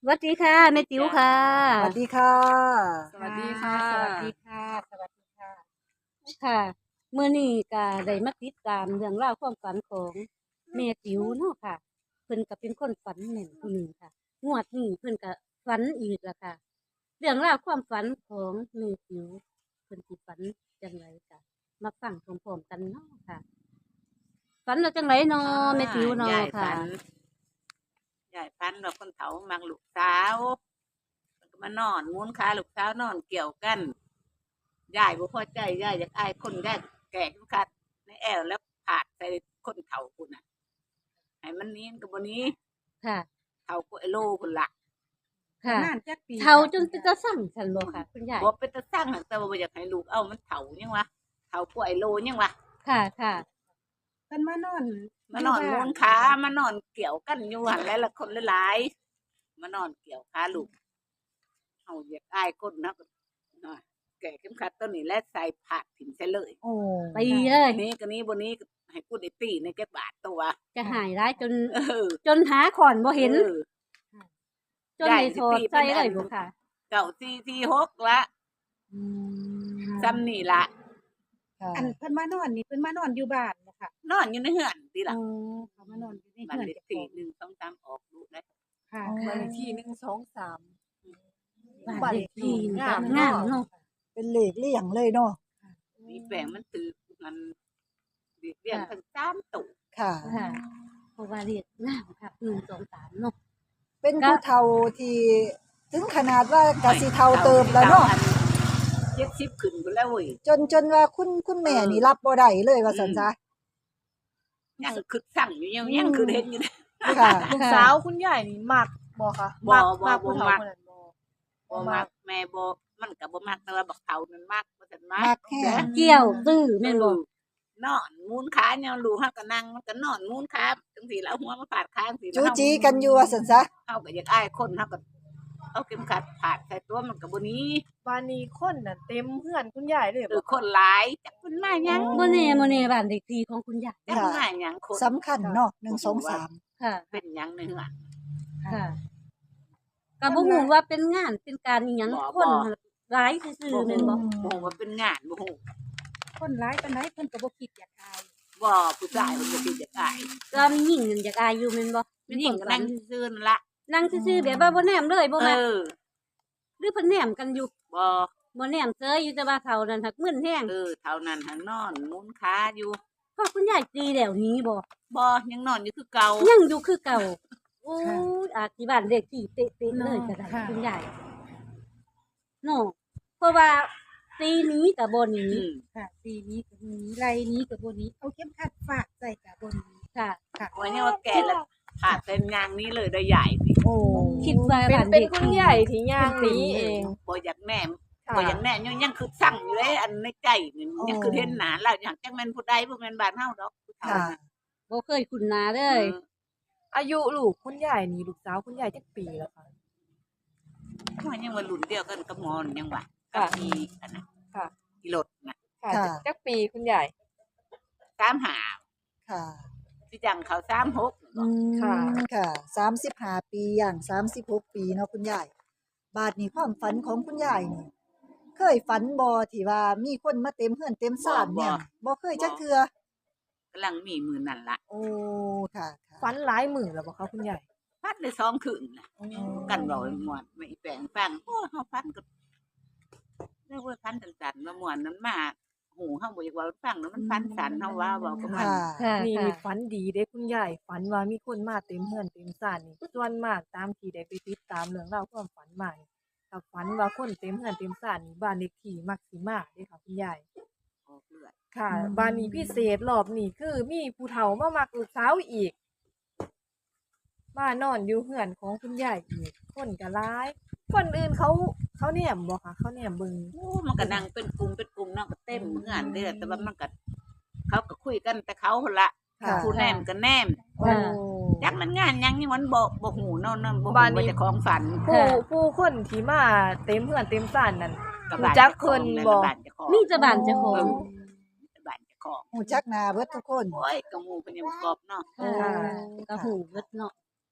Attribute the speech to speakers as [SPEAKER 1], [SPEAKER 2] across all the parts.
[SPEAKER 1] สวัสดีค่ะแม่ติ๋วค่ะ
[SPEAKER 2] สวัสดีค่ะ
[SPEAKER 3] สวัสดีค่ะ
[SPEAKER 2] สวัสดีค่ะ สวัสดีค่ะ
[SPEAKER 1] ค่ะมื้อนี้ก็ได้มาติดตามเรื่องราวความฝันของแม่ติ๋วเนาะค่ะเพิ่นก็เป็นคนฝันแม่นผู้หนึ่งค่ะงวดนี้เพิ่นก็ฝันอีกแล้วค่ะเรื่องราวความฝันของแม่ติ๋วเพิ่นสิฝันจังไดก็มาฟังพร้อมๆกันเนาะค่ะฝันว่าจังไดเนาะแม่ติ๋วเนาะ
[SPEAKER 3] ยาย
[SPEAKER 1] ค่ะ
[SPEAKER 3] ฝันว่าคนเฒ่ามักลูกสาวมันก็มานอนม้วนขาลูกสาวนอนเกี่ยวกันยายบ่พอใจยายอยากอายคนได้แก่ทุกคัดในแอวแล้วผาดใส่คนเฒ่าพุ่นน่ะให้มันนี้ก็บ่นี้
[SPEAKER 1] ค่ะ
[SPEAKER 3] เฒ่าก็ไอ้โลพุ่นล่ะ
[SPEAKER 1] ค่ะ
[SPEAKER 2] นานจักปี
[SPEAKER 1] เฒ่าจนเป็นตาสั่งฉันบ่ค่ะคุณยาย
[SPEAKER 3] บ่เป็นตาสร้างหรอกแต่ว่าบ่อยากให้ลูกเอามันเฒ่ายังวะเฒ่าก็ไอ้โลยังวะ
[SPEAKER 1] ค่ะค่ะ
[SPEAKER 2] เพิ่นมานอน
[SPEAKER 3] มานอนม้วนขามานอนเกี่ยวกันอยู่หั่นแล้วละคนหลายๆมานอนเกี่ยวขาลูกเฮาอยากอายคนนะก็น้อยแก่เข็มขัดต้นนี้และใส่ผาดถิ่มใส่เลย
[SPEAKER 2] โอ้
[SPEAKER 1] ตีเลย
[SPEAKER 3] นี้ก็นี้บนนี้ก็ให้กูได้ตีในแก่บาทตัว
[SPEAKER 1] จะหายร้ายจน
[SPEAKER 3] เออ
[SPEAKER 1] จนหาขอนบ่เห็น
[SPEAKER 3] ออ
[SPEAKER 1] จนได้โทษใจเลยบ่ค่ะ
[SPEAKER 3] เก่าที่6ละซ้ำนี่ละ
[SPEAKER 2] อันเพิ่นมานอนนี่เพิ่นมานอนอยู่บ้านบ่ค่ะ
[SPEAKER 3] นอนอยู่ในเฮือนดีละ
[SPEAKER 2] อ๋อเขามานอนอยู่ใน
[SPEAKER 3] บ้าน
[SPEAKER 2] เฮือน
[SPEAKER 3] เลข
[SPEAKER 2] เจ้าข
[SPEAKER 3] ที่
[SPEAKER 2] อง
[SPEAKER 3] 1 2 3ออกดูได้
[SPEAKER 2] ค่ะ
[SPEAKER 4] บ้านเลขที่123
[SPEAKER 1] บ้านเลขที่
[SPEAKER 4] งาม
[SPEAKER 1] งามเนาะ
[SPEAKER 4] เป็นเลขเลี่ยงเลยเนาะ
[SPEAKER 3] มีแปลงมันตือมันเรียงทั้ง3ตุ
[SPEAKER 4] ค่ะ
[SPEAKER 1] ค่ะเพราะว่าเลขงามค่ะ1 2 3เนาะ
[SPEAKER 4] เป็นผู้เฒ่าที่ถึงขนาดว่ากะสิเฒ่าเติบแล้วเนาะ
[SPEAKER 3] 70ขึ้นพุ่นแล้วเว้ย
[SPEAKER 4] จนว่าคุณแม่นี่รับบ่ได้เลยว่าซั่นซะ
[SPEAKER 3] ยังคือสั่งอยู่ยังคือเห็นอยู่
[SPEAKER 4] ค่ะ
[SPEAKER 5] ลูกสาวคุณยายนี่มักบ่คะ
[SPEAKER 3] บ่
[SPEAKER 5] มัก
[SPEAKER 3] บ่
[SPEAKER 5] ผู้เฒ่า
[SPEAKER 3] มัก
[SPEAKER 5] คนนั้นบ่
[SPEAKER 3] บ่มักแม่บ่มันก็บ่มักแต่ว่าบักเฒ่านั่นมักบ่ทันมั
[SPEAKER 4] มั
[SPEAKER 3] ก
[SPEAKER 4] กแฮง
[SPEAKER 1] เกี่ยวตื้อแม่นบ่
[SPEAKER 3] นอนมูนขาเนี่ยลูกเฮาก็นั่งมันก็นอนมูนขาจังซี่แล้วหัวมาฟาดข้างสิ
[SPEAKER 4] จูจีกันอยู่ว่าซั่นซะ
[SPEAKER 3] เฮาก็อยากอายคนเฮาก็เอาเข็มขัดฟาดใส่ตัวมันก็บ่หนี้
[SPEAKER 5] บ้านนี้คนน่ะเต็มเฮือนคุณยายเลย
[SPEAKER 3] คือ
[SPEAKER 5] บ่
[SPEAKER 3] คนหลายจักเพิ่นมาหยัง
[SPEAKER 1] บ่แน่บ้านเลขที่ของคุณยาย
[SPEAKER 3] จักเพิ่นมาหยังคน
[SPEAKER 4] สำคัญเนาะ123
[SPEAKER 1] ค่ะ
[SPEAKER 3] เป็นหยังในเฮือน
[SPEAKER 1] ค่ะก็บ่ฮู้ว่าเป็นงานเป็นการอีหยัง
[SPEAKER 3] บ่
[SPEAKER 1] คนหลายซื่อๆแม่นบ่
[SPEAKER 3] บ่ฮู้ว่าเป็นงานบ่ฮู้
[SPEAKER 2] คนร้ายปานใดเพิ่นก็บ่คิดอยากอาย
[SPEAKER 3] บ่ผู้ชายเพิ่นบ่คิดจะอาย
[SPEAKER 1] ก็มีหญิงนั่นอยากอายอยู่แม่นบ่
[SPEAKER 3] มันยิ่งก็นั่งซื่อๆนั่นล่ะ
[SPEAKER 1] นั่งซื่อๆแบบว่าบ่แนมเลยบ่
[SPEAKER 3] เอ
[SPEAKER 1] มัก
[SPEAKER 3] อ
[SPEAKER 1] หรือเพิ่นแนมกันอยู่
[SPEAKER 3] บ่
[SPEAKER 1] บ่แนมเซยอยู่แต่ว่าเขานั่นหักมึนแฮง
[SPEAKER 3] เท่านั้นหันนอนมูนขาอยู่
[SPEAKER 1] พอคุณยายตีแล้วหนี้บ่
[SPEAKER 3] บ่ยังนอนอยู่คือเก่า
[SPEAKER 1] ยังอยู่คือเก่าโอ้ยอาจสิบ้านเลขที่เป๊ะๆเลยก็ได้คุณยายเนาะเพราะว่าตีหนี้ก็บ่หนี
[SPEAKER 3] อืม
[SPEAKER 2] ค่ะปีนี้ก็บ่หนี้ไรนี้ก็บ่หนี้เอาเข็มขัดฟาดใส่ก็บ่หนี้
[SPEAKER 1] ค่ะ
[SPEAKER 2] ค่ะ
[SPEAKER 3] วันนี้ว่าแกแล้วขาดเป็นยางนี้เลยได้ใหญ่ดิ
[SPEAKER 4] โอ้
[SPEAKER 1] คิดว่า
[SPEAKER 5] เป็น
[SPEAKER 1] บ้าน
[SPEAKER 5] เป็น
[SPEAKER 1] เลข
[SPEAKER 5] คุณ
[SPEAKER 1] ที่
[SPEAKER 5] ยายที่ย่างหนี้เอง
[SPEAKER 3] บ่อยากแม่
[SPEAKER 5] ค่ะ
[SPEAKER 3] บ่อยากแม่ยังคือสั่งอยู่เลยอันในใจนี่ยังคือเห็นหน้าแล้วอยากจักแม่นผู้ใดบ่แม่นบ้านเฮาดอกผู้เฒ่า
[SPEAKER 4] ค่ะ
[SPEAKER 3] น่ะ
[SPEAKER 1] บ่เคยคุ้นหน้าเล
[SPEAKER 3] เอย อ
[SPEAKER 5] อายุลูกคุณยายนี่ลูกสาวคุณยายจักปีแล้วคะ
[SPEAKER 3] มันยังว่ารุ่นเดียวกันกับหมอนยังว่า
[SPEAKER 5] ค่ะ
[SPEAKER 3] อีอันน่ะ
[SPEAKER 5] ค่ะ
[SPEAKER 3] อีรถน่ะ
[SPEAKER 5] ค่ะ
[SPEAKER 4] ค่ะ
[SPEAKER 5] จักปีคุณยาย
[SPEAKER 3] 35
[SPEAKER 4] ค่ะ
[SPEAKER 3] สิจังเขา36
[SPEAKER 4] อืม
[SPEAKER 5] ค่ะ
[SPEAKER 4] ค่ะ35ปีอย่าง36ปีเนาะคุณยายบาดนี้ความฝันของคุณยายนี่เคยฝันบ่ที่ว่ามีคนมาเต็มเฮือนเต็มศาลเนี่ยบ่เคยจักเทื่อก
[SPEAKER 3] ำลังมีมื้อนั่นล่ะ
[SPEAKER 4] โอ้ค่ะค่ะ
[SPEAKER 5] ฝันหลายมื้อแล้วบ่คะคุณยาย
[SPEAKER 3] พัดได้2คืนน่ะกันเว้าให้ม่วนไม่แปลงฟังโอ้เฮาฟันก็เรียกว่าฟันสั่นๆมาม่วนนั้นมาหูเฮาบ่อยากเว้าให้ฟังเนาะมันฟันสั่นเฮาว่าเว้ากับมัน
[SPEAKER 4] ค่ะ
[SPEAKER 1] ค่ะ
[SPEAKER 5] นี่
[SPEAKER 1] ค่ะ
[SPEAKER 5] มีฝันดีเด้คุณยายฝันว่ามีคนมาเต็มเฮือนเต็มศาลนี่ส่วนมากตามที่ได้ไปติดตามเรื่องราวความฝันมานี่ถ้าฝันว่าคนเต็มเฮือนเต็มศาลนี่บ้านเลขที่มักสิมาเด้ค่ะคุณยาย
[SPEAKER 3] ออกเลือด
[SPEAKER 5] ค่ะบ้านนี้พิเศษรอบนี้คือมีผู้เฒ่ามามักลูกสาวอีกมานอนอยู่เฮือนของคุณยายอีกคนก็หลายคนอื่นเขาแหนมบ่คะเขาแหนมเบิ่ง
[SPEAKER 3] โอ้มันก็นั่งเป็นกลุ่มเนาะก็เต็มเฮือนเด้อแต่ว่ามันก็เขาก็คุยกันแต่เขาหั่นล่ะ
[SPEAKER 4] ค่ะ
[SPEAKER 3] ผู้แนมก็แนม
[SPEAKER 5] โอ้
[SPEAKER 3] จักมันงานหยังนี่มันบ่ฮู้เนาะนั่นบ่ฮู้
[SPEAKER 5] บ้านนี้
[SPEAKER 3] ว่าเจะของฝัน
[SPEAKER 5] ผู้คนที่มาเต็มเฮือนเต็มศาลนั่น
[SPEAKER 3] กับ
[SPEAKER 5] รู้จักเพิ่นบ่
[SPEAKER 3] บ้านเจ้าของ
[SPEAKER 1] มีแต่บ้านเจ้าของ
[SPEAKER 3] บ้านเจ้าของ
[SPEAKER 4] ฮู้จักหน้าเบิดทุกคน
[SPEAKER 3] โอ้ยก็หมู่เพิ่นยังบ่กรอบเนาะ
[SPEAKER 1] ค่ะก็หูเบิดเนาะ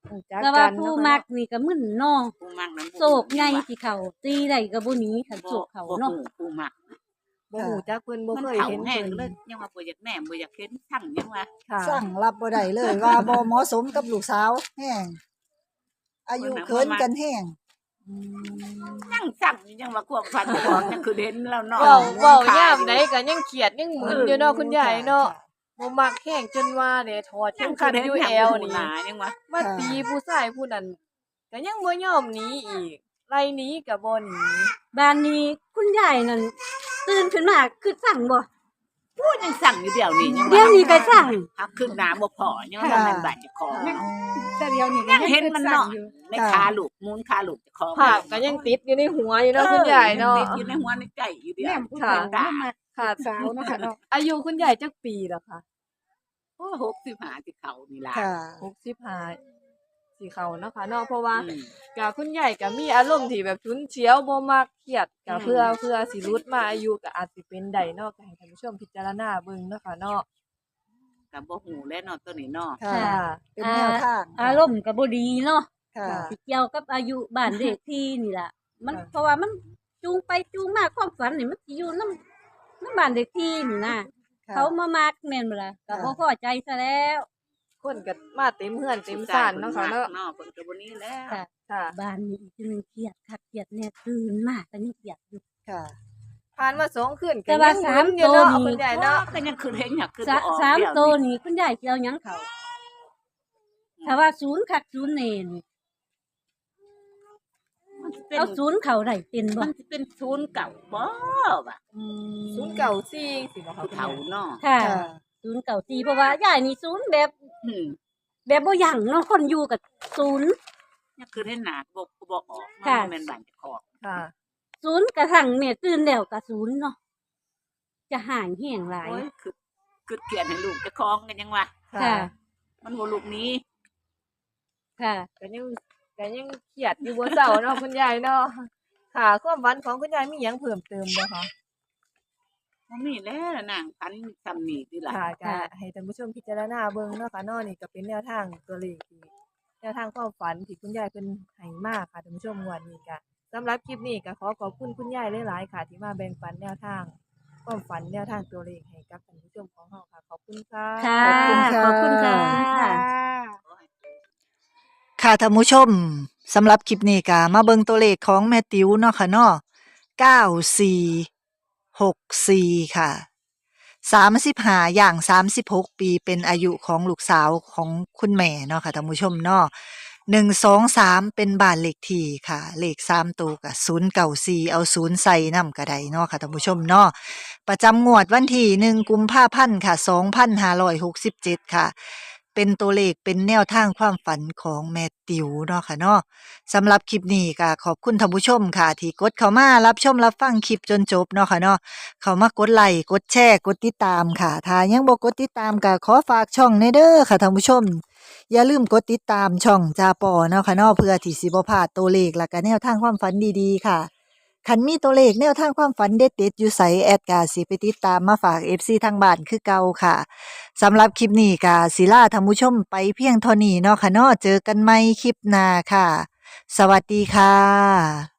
[SPEAKER 5] รู้จัก
[SPEAKER 1] แต่ว่า
[SPEAKER 5] กัน
[SPEAKER 1] ผู้
[SPEAKER 5] เนาะค่ะ
[SPEAKER 1] มักนี่ก็มึนเนาะ
[SPEAKER 3] ผู้มักนั้น
[SPEAKER 1] โศกใหญ่ที่เขาตีได้ก็บ่หนีคันโศกเขาเนาะ
[SPEAKER 3] ผู้มัก
[SPEAKER 5] บ่ฮู้จักเพิ่นบ่
[SPEAKER 3] มัน
[SPEAKER 5] เคย
[SPEAKER 3] เฒ่า
[SPEAKER 5] เห็น
[SPEAKER 3] แห้ง
[SPEAKER 5] เพิ่น
[SPEAKER 3] เลยยังว่าบ่อยากแหนมบ่อยากเห็นสั่งยังว่า
[SPEAKER 5] ค่ะ
[SPEAKER 4] สั่งรับบ่ได้เลยว่าบ่เหมาะสมกับลูกสาวแห้งอายุเคินกันแห้ง
[SPEAKER 3] ยังสั่งยังว่าความฝันเจ้าของยังคือเห็นแล้วเนาะ
[SPEAKER 5] เว้ายามใดก็ยังเครียดยังหมึนอยู่เนาะคุณยายเนาะบ่มักแห้งจนว่าเนี่ยถอดเข็มขัดอยู่แอวนี่
[SPEAKER 3] ยังว่า
[SPEAKER 5] มาตีผู้ชายผู้นั้นก็ยังบ่ยอมหนีอีกไล่หนีก็บ่หนี
[SPEAKER 1] บ้านนี้คุณยายนั่นตื่นขึ้นมาคือสั่งบ่
[SPEAKER 3] พูดยังสั่งอยู่เดี๋ยวนี้ยัง
[SPEAKER 1] เดี๋ยวนี้ก็สั่ง
[SPEAKER 3] หักขึ้นหน้าบ่พอยังว่ามันบาดเจ้าของ
[SPEAKER 2] แต่เดียวนี่
[SPEAKER 3] ยังเห็นมันเนาะ
[SPEAKER 2] อยู่
[SPEAKER 3] ในขาลูกมูนขาลูกเจ้าของ
[SPEAKER 5] ภาพก็ยังติดอยู่ในหัวอยู่เนาะคุณยายเนาะ
[SPEAKER 3] ติดอยู่ในหัวในใจอยู่เดียว
[SPEAKER 2] แม่ผู้เฒ่าเนาะมา
[SPEAKER 5] ค่ะ
[SPEAKER 2] สาวเนาะค่ะเนาะ
[SPEAKER 5] อายุคุณยายจักปีแล้วค่ะ
[SPEAKER 3] โอ้65ที่เขานี่ล่ะ
[SPEAKER 4] ค่ะ
[SPEAKER 5] 65สิเข้าเนาะค่ะเนาะเพราะว่า
[SPEAKER 3] อืม
[SPEAKER 5] ก็คุณยายก็มีอารมณ์ที่แบบฉุนเฉียวบ่มักเครียดก็
[SPEAKER 3] อืม
[SPEAKER 5] เพื่อสิหลุดมาอายุก็อาจสิเป็นได้เนาะก็ให้ท่านผู้ชมพิจารณาเบิ่งเนาะค่ะเนาะ
[SPEAKER 3] ก็บ่ฮู้แล้วเนาะตัวนี้เนาะ
[SPEAKER 4] ค่ะ เป็นแนวทาง
[SPEAKER 1] อารมณ์ก็บ่ดีเนาะ
[SPEAKER 4] ค่ะ
[SPEAKER 1] สิเกี่ยวกับอายุบ้านเลขที่นี่ล่ะ มัน
[SPEAKER 5] ค่ะ
[SPEAKER 1] เพราะว่ามันจูงไปจูงมาความฝันนี่มันสิอยู่นำบ้านเลขที่นี่นะ
[SPEAKER 4] ค่ะ
[SPEAKER 1] เขามามักแม่นบ่ล่ะก็บ่พอใจซะแล้ว
[SPEAKER 5] คนก็มาเต็มเฮือนเต็มซ่านเนาะค่ะเนาะ
[SPEAKER 3] เนาะเพิ่นก็บ่หนี้แล้ว
[SPEAKER 1] ค่ะ
[SPEAKER 5] ค่ะ
[SPEAKER 1] บ้านนี้อีกทีหนึงเครียดคักเครียดแน่ตื่นมาก็ยังเครียดอยู่
[SPEAKER 4] ค่ะ
[SPEAKER 5] ผ่านมา2คืน
[SPEAKER 1] แต่ว่า
[SPEAKER 5] ยัง
[SPEAKER 1] สาม
[SPEAKER 5] หนอยู่เนาะ
[SPEAKER 1] ตัวนี่
[SPEAKER 5] คุณยายเนาะ
[SPEAKER 3] ก็ยังคือเห็นอยากคือ
[SPEAKER 1] สะ
[SPEAKER 3] บ่ออก
[SPEAKER 1] สาม
[SPEAKER 3] เดี๋ย
[SPEAKER 1] ตัวนี่คุณยายสิเอาหยังเขาถ้าว่าศูนย์คักศูนย์แน่นี่
[SPEAKER 3] มันสิเป็น
[SPEAKER 1] เอาศูนย์เขาได้เป็นบ่
[SPEAKER 3] มันสิเป็นศูนย์เก่าบ่ว่ะ
[SPEAKER 5] 094สิบ่คะ
[SPEAKER 3] ผู้
[SPEAKER 5] คุณ
[SPEAKER 3] เฒ่าย
[SPEAKER 5] าย
[SPEAKER 3] เนาะ
[SPEAKER 1] ค่ะ
[SPEAKER 4] ค่ะ
[SPEAKER 1] ศูนย์เก่าตีเพราะว่ายายนี่ศูนย์แบบ
[SPEAKER 3] อืม
[SPEAKER 1] แบบบ่หยั่งเนาะคนอยู่กับศูนย์
[SPEAKER 3] ยังคือเห็นหน้าบ่ออก
[SPEAKER 1] ค่ะ
[SPEAKER 3] มันแม่นบ้านเจ้าของ
[SPEAKER 5] ค่ะ
[SPEAKER 1] ศูนย์กระทั่งแม่ตื่นแล้วก็ศูนย์เนาะจะห่างเหี่ยงหลาย
[SPEAKER 3] โอ้ยคือเกลียดให้ลูกเจ้าของกันยังว่า
[SPEAKER 1] ค่ะ
[SPEAKER 3] มันบ่ลูกนี้
[SPEAKER 1] ค่ะ
[SPEAKER 5] ก็ยังเครียดอยู่บ่เช้าเนาะคุณยายเนาะค่ะความฝันของคุณยายมีหยังเพิ่มเติมบ่คะ
[SPEAKER 3] บ่มีแล้วนางพันซำนี้ติล่ะ
[SPEAKER 5] ค่ะก็
[SPEAKER 1] ค่ะ
[SPEAKER 5] ให้ท่านผู้ชมพิจารณาเบิ่งเนาะค่ะเนาะนี่ก็เป็นแนวทางตัวเลขที่แนวทางความฝันที่คุณยายเพิ่นให้มาค่ะท่านผู้ชมงวดนี้ก็สำหรับคลิปนี้ก็ขอขอบคุณคุณยายหลายๆค่ะ ที่มาแบ่งปันแนวทางความฝันแนวทางตัวเลขให้กับท่านผู้ชมของเราค่ะ ขอบคุณค่ะ
[SPEAKER 1] ค่ะ
[SPEAKER 4] ขอบคุณค่ะ
[SPEAKER 1] ขอบคุณค่ะ
[SPEAKER 4] ค่ะท่านผู้ชมสำหรับคลิปนี้ก็มาเบิ่งตัวเลขของแม่ติ๋วเนาะค่ะเนาะ9464 ค่ะ 35อย่าง36 ปีเป็นอายุของลูกสาวของคุณแม่เนาะค่ะท่านผู้ชมเนาะ123 เป็นบ้านเลขที่ค่ะ เลข3ตัวก็094เอา0ใส่นำก็ได้เนาะค่ะท่านผู้ชมเนาะประจำงวดวันที่1กุมภาพันธ์ค่ะ2567 ค่ะ เป็นตัวเลขเป็นแนวทางความฝันของแม่ติ๋วเนาะค่ะเนาะสำหรับคลิปนี้ก็ขอบคุณท่านผู้ชมค่ะ ที่กดเข้ามารับชมรับฟังคลิปจนจบเนาะค่ะเนาะเข้ามากดไลค์กดแชร์กดติดตามค่ะถ้ายังบ่กดติดตามก็ขอฝากช่องในเด้อค่ะท่านผู้ชม อย่าลืมกดติดตามช่องจาปอเนาะค่ะเนาะเพื่อที่สิบ่พลาดตัวเลขและก็แนวทางความฝันดีๆค่ะคันมีตัวเลขแนวทางความฝันเด็ดๆอยู่ไสแอดก็สิไปติดตามมาฝาก FC ทางบ้านคือเก่าค่ะ สำหรับคลิปนี้ก็สิลาท่านผู้ชมไปเพียงเท่านี้เนาะค่ะเนาะเจอกันใหม่คลิปหน้าค่ะ สวัสดีค่ะ